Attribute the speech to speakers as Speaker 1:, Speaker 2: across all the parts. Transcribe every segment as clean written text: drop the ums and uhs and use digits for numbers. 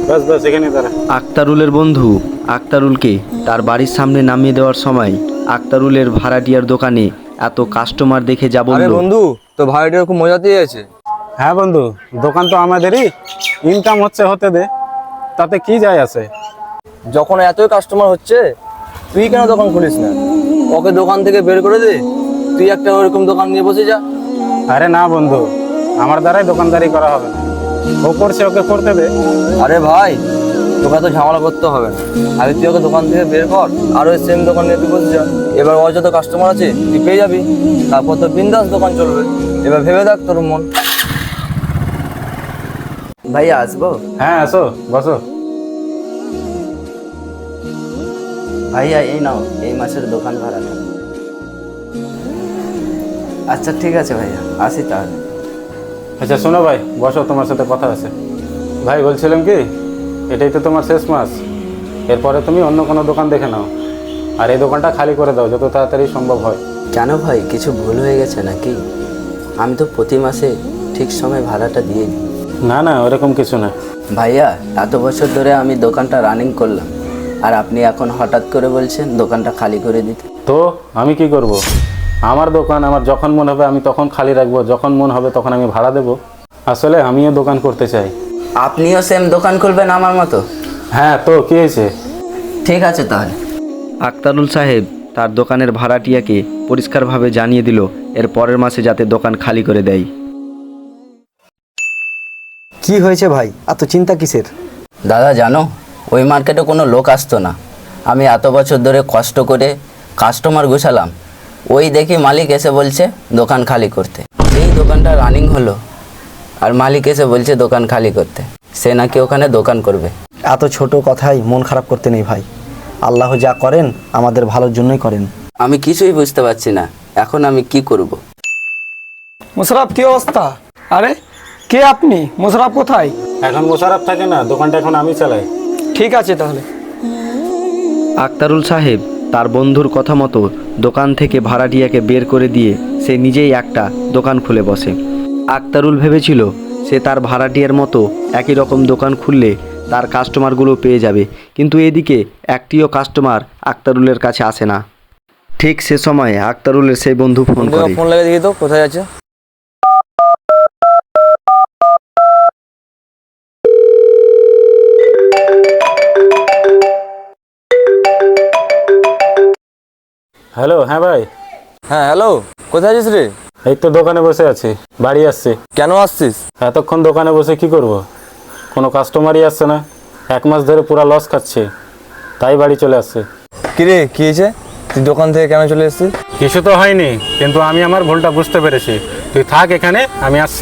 Speaker 1: বাস বাস এখানে দাঁড়া।
Speaker 2: আক্তারুলের বন্ধু আক্তারুলকে তার বাড়ির সামনে নামিয়ে দেওয়ার সময় আক্তারুলের ভাড়াটিয়ার দোকানে এত কাস্টমার দেখে যা
Speaker 3: আরে
Speaker 2: বলল।
Speaker 3: বন্ধু, তো ভাড়াটিয়া খুব মজাতেই আছে।
Speaker 1: হ্যাঁ বন্ধু, দোকান তো আমাদেরই, ইনকাম হতে দে, তাতে কি যায় আছে।
Speaker 3: যখন এতই কাস্টমার হচ্ছে, তুই কেন দোকান খুলিস না? ওকে দোকান থেকে বের করে দে, তুই একটা ওরকম দোকান নিয়ে বসে যা।
Speaker 1: আরে না বন্ধু, আমার দ্বারাই দোকানদারি করা হবে না। ও করছে, ওকে করতে দে।
Speaker 3: আরে ভাই, তোকে তো ঝামেলা করতে হবে না। আগে তুই ওকে দোকান থেকে বের কর, আর ওই সেম দোকান নিয়ে তুই বসে যা। এবার ওর যত কাস্টমার আছে তুই পেয়ে যাবি, তারপর তো বিন্দাস দোকান চলবে। এবার ভেবে দেখ তোর মন।
Speaker 4: ভাইয়া আসবো?
Speaker 1: হ্যাঁ আসো, বসো।
Speaker 4: ভাইয়া এই নাও এই মাসের দোকান ভাড়াটা। আচ্ছা ঠিক আছে ভাইয়া, আসি তাহলে।
Speaker 1: আচ্ছা শোনো ভাই, বসো, তোমার সাথে কথা আছে। ভাই বলছিলাম কি, এটাই তো তোমার শেষ মাস, এরপরে তুমি অন্য কোনো দোকান দেখে নাও, আর এই দোকানটা খালি করে দাও যত তাড়াতাড়ি সম্ভব হয়।
Speaker 4: কেন ভাই, কিছু ভুল হয়ে গেছে নাকি? আমি তো প্রতি মাসে ঠিক সময় ভাড়াটা দিয়ে দিই।
Speaker 1: না না, ওরকম কিছু না।
Speaker 4: ভাইয়া এত বছর ধরে আমি দোকানটা রানিং করলাম, আর আপনি এখন হঠাৎ করে বলছেন দোকানটা খালি করে দিতে।
Speaker 1: তো আমি কি করব? আমার দোকান আমার যখন মন হবে আমি তখন খালি রাখবো, যখন মন হবে তখন আমি ভাড়া দেবো। আসলে আমিও দোকান করতে চাই।
Speaker 4: আপনিও সেম দোকান খুলবেন আমার মতো?
Speaker 1: হ্যাঁ, তো কি হয়েছে?
Speaker 4: ঠিক আছে তাহলে।
Speaker 2: আক্তারুল সাহেব তার দোকানের ভাড়াটিয়াকে পরিষ্কারভাবে জানিয়ে দিল এর পরের মাসে যাতে দোকান খালি করে দেয়।
Speaker 5: কি হয়েছে ভাই, এত চিন্তা কিসের?
Speaker 4: দাদা জানো, ওই মার্কেটে কোনো লোক আসতো না। আমি এত বছর ধরে কষ্ট করে কাস্টমার গুছালাম, ওই দেখি মালিক এসে বলছে দোকান খালি করতে। এই দোকানটা রানিং হলো, আর মালিক এসে বলছে দোকান খালি করতে। সে নাকি ওখানে দোকান করবে।
Speaker 5: এত ছোট কথাই মন খারাপ করতে নেই ভাই। আল্লাহ যা করেন আমাদের ভালোর জন্যই করেন।
Speaker 4: আমি কিছুই বুঝতে পারছি না, এখন আমি কি করব?
Speaker 6: মোশাররফ, কি অবস্থা? আরে কে আপনি? মোশাররফ কোথায়?
Speaker 1: এখন মোশাররফ থাকে না, দোকানটা এখন আমি চালাই।
Speaker 6: ঠিক আছে তাহলে।
Speaker 2: আক্তারুল সাহেব তার বন্ধুর কথা মতো দোকান থেকে ভাড়াটিয়াকে বের করে দিয়ে সে নিজেই একটা দোকান খুলে বসে। আক্তারুল ভেবেছিল সে তার ভাড়াটিয়ার মতো একই রকম দোকান খুললে তার কাস্টমারগুলো পেয়ে যাবে, কিন্তু এদিকে একটিও কাস্টমার আক্তারুলের কাছে আসে না। ঠিক সে সময় আক্তারুলের সেই বন্ধু ফোন করে।
Speaker 3: ফোন লাগিয়ে দেখি তো কোথায় আছে।
Speaker 1: হ্যালো, হ্যাঁ ভাই।
Speaker 3: হ্যাঁ হ্যালো, কোথায় আছিস রে?
Speaker 1: এই তো দোকানে বসে আছি, বাড়ি আসছি।
Speaker 3: কেন আসছিস?
Speaker 1: এতক্ষণ দোকানে বসে কি করব? কোনো কাস্টমারই আসছে না, 1 মাস ধরে পুরো লস খাচ্ছে, তাই বাড়ি চলে আসছে।
Speaker 3: কিরে কি হয়েছে? তুই দোকান থেকে কেন চলে এসেছিস?
Speaker 1: কিছু তো হয়নি, কিন্তু আমি আমার ভুলটা বুঝতে পেরেছি। তুই থাক এখানে, আমি আসছি।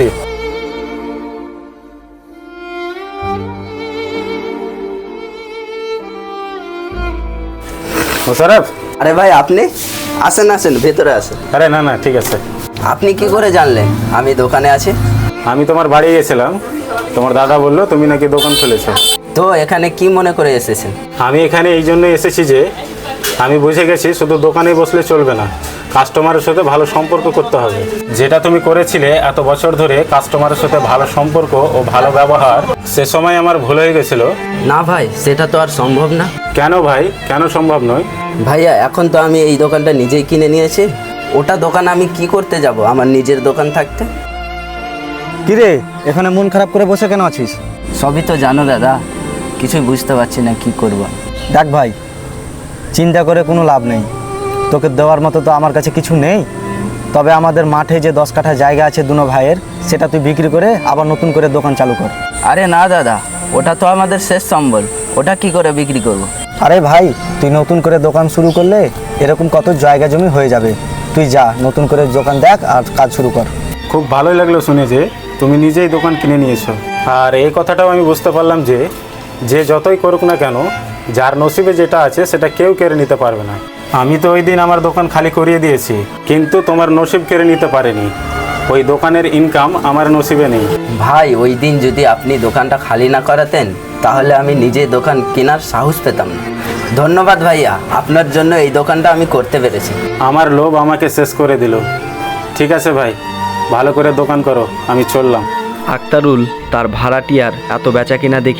Speaker 1: মোশাররফ।
Speaker 4: আরে ভাই আপনি আসেন আসেন, ভেতরে আসেন।
Speaker 1: আরে না না, ঠিক আছে।
Speaker 4: আপনি কি করে জানলেন আমি দোকানে আছি?
Speaker 1: আমি তোমার বাড়ি গেছিলাম, তোমার দাদা বললো তুমি নাকি দোকান খুলেছো।
Speaker 4: তো এখানে কি মনে করে এসেছেন?
Speaker 1: আমি এখানে এই জন্য এসেছি যে আমি বুঝে গেছি শুধু দোকানে বসলে চলবে না, কাস্টমারের সাথে ভালো সম্পর্ক করতে হবে। যেটা তুমি করেছিলে এত বছর ধরে, কাস্টমারের সাথে ভালো সম্পর্ক ও ভালো ব্যবহার, সে সময় আমার ভুল হয়ে গেছিল।
Speaker 4: না ভাই, সেটা তো আর সম্ভব না।
Speaker 1: কেন ভাই, কেন সম্ভব নয়?
Speaker 4: ভাইয়া এখন তো আমি এই দোকানটা নিজেই কিনে নিয়েছি, ওটা দোকান আমি কি করতে যাব আমার নিজের দোকান থাকতে?
Speaker 5: কিরে, এখানে মন খারাপ করে বসে কেন আছিস?
Speaker 4: সবই তো জানো দাদা, কিছুই বুঝতে পারছি না কি করব।
Speaker 5: দেখ ভাই, চিন্তা করে কোনো লাভ নেই। তোকে দেওয়ার মতো তো আমার কাছে কিছু নেই, তবে আমাদের মাঠে যে 10 কাঠা জায়গা আছে দুনো ভাইয়ের, সেটা তুই বিক্রি করে আবার নতুন করে দোকান চালু কর।
Speaker 4: আরে না দাদা, ওটা তো আমাদের শেষ সম্বল, ওটা কি করে বিক্রি করব?
Speaker 5: আরে ভাই, তুই নতুন করে দোকান শুরু করলে এরকম কত জায়গা জমি হয়ে যাবে। তুই যা, নতুন করে দোকান দেখ আর কাজ শুরু কর।
Speaker 1: খুব ভালোই লাগলো শুনে যে তুমি নিজেই দোকান কিনে নিয়েছো। আর এই কথাটাও আমি বুঝতে পারলাম যে যে যতই করুক না কেন, যার নসিবে যেটা আছে সেটা কেউ কেড়ে নিতে পারবে না। আমি তো ওই দিন আমার দোকান খালি করিয়ে দিয়েছি, কিন্তু তোমার নসিব কেড়ে নিতে পারেনি। ওই দোকানের ইনকাম আমার নসিবে নেই।
Speaker 4: ভাই ওই দিন যদি আপনি দোকানটা খালি না করাতেন, তাহলে আমি নিজে দোকান কেনার সাহস পেতাম না। ধন্যবাদ ভাইয়া, আপনার জন্য এই দোকানটা আমি করতে পেরেছি।
Speaker 1: আমার লোভ আমাকে শেষ করে দিল। ঠিক আছে ভাই, ভালো করে দোকান করো, আমি চললাম।
Speaker 2: আক্তারুল তার ভাড়াটিয়ার এত বেচাকেনা দেখে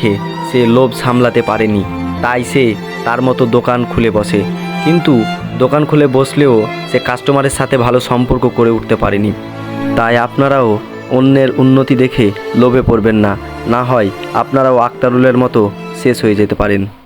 Speaker 2: সে লোভ সামলাতে পারেনি, তাই সে তার মতো দোকান খুলে বসে। কিন্তু দোকান খুলে বসলেও সে কাস্টমারের সাথে ভালো সম্পর্ক করে উঠতে পারেনি। তাই আপনারাও অন্যের উন্নতি দেখে লোভে পড়বেন না, না হয় আপনারাও আক্তারুলের মতো শেষ হয়ে যেতে পারেন।